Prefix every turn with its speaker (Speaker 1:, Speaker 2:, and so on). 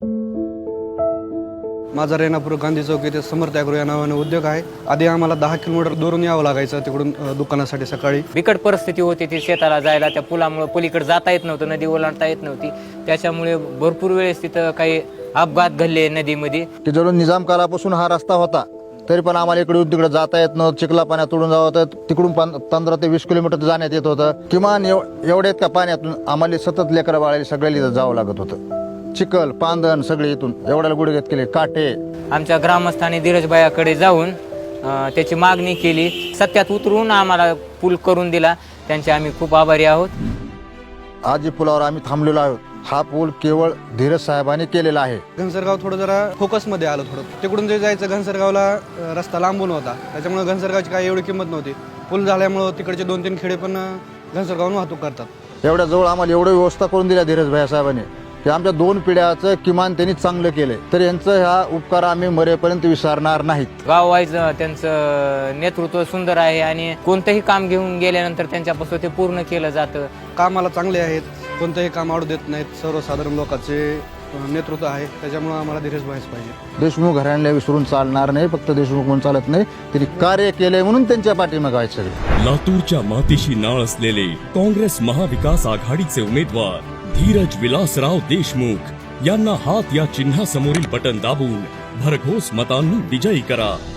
Speaker 1: माझा रेणापूर गांधी चौक येथे समर्थ ॲग्रो या नावाने उद्योग आहे. आधी आम्हाला 10 किलोमीटर दूरून यावं लागायचं तिकडून दुकानासाठी सकाळी.
Speaker 2: बिकट परिस्थिती होती ती शेताला जायला, त्या पुलामुळे पलीकडे जाता येत नव्हतं, नदी ओलांडता येत नव्हती. त्याच्यामुळे भरपूर वेळेस तिथं काही अपघात घडले नदीमध्ये.
Speaker 3: की जरूर निजाम कालापासून हा रस्ता होता, तरी पण आम्हाला इकडे तिकडे जाता येत नव्हतं. चिखला पाण्यात उडून जावं होतं, तिकडून 15 ते 20 किलोमीटर जाण्यात येत होतं. किमान एवढ्यात का पाण्यातून आम्हाला सतत लेकरं बाळाला सगळ्याला जावं लागत होतं. चिखल पांदण सगळे इथून एवढ्याला गुडघ्यात केले काटे.
Speaker 2: आमच्या ग्रामस्थांनी धीरजभाईकडे जाऊन त्याची मागणी केली, सत्यात उतरून आम्हाला पूल करून दिला. त्यांचे आम्ही खूप आभारी आहोत.
Speaker 3: आज पुलावर आम्ही थांबलेलो आहोत. हा पूल केवळ धीरज साहेबांनी केलेला आहे.
Speaker 1: घनसरगाव थोडं जरा फोकसमध्ये आलं. थोडं तिकडून जे जायचं घनसरगावला रस्ता लांबून होता, त्याच्यामुळे घनसरगावची काही एवढी किंमत नव्हती. पूल झाल्यामुळं तिकडचे 2-3 खेडे पण घनसरगावून वाहतूक करतात.
Speaker 3: एवढ्या जवळ आम्हाला एवढी व्यवस्था करून दिल्या धीरजभाई साहेबांनी की आमच्या 2 पिढ्याचं किमान त्यांनी चांगलं केलंय. तर यांचं हा उपकार आम्ही मरेपर्यंत विसरणार नाहीत.
Speaker 2: गाव वाईज त्यांचं नेतृत्व सुंदर आहे आणि कोणतंही काम घेऊन गेल्यानंतर त्यांच्यापासून ते पूर्ण केलं जातं.
Speaker 1: कामाला चांगले आहेत, कोणतंही काम आवडू देत नाहीत. सर्वसाधारण लोकांचे नेतृत्व आहे, त्याच्यामुळे आम्हाला धीरजभाईच पाहिजे.
Speaker 3: देशमुख घराण्याला विसरून चालणार नाही. फक्त देशमुख म्हणून चालत नाही, त्यांनी कार्य केलंय म्हणून त्यांच्या पाठीमागे आहेत सगळे.
Speaker 4: लातूरच्या मातीशी नाळ असलेले काँग्रेस महाविकास आघाडीचे उमेदवार धीरज विलासराव देशमुख यांना हात या चिन्हासमोरील बटन दाबून भरघोस मतांनी विजयी करा.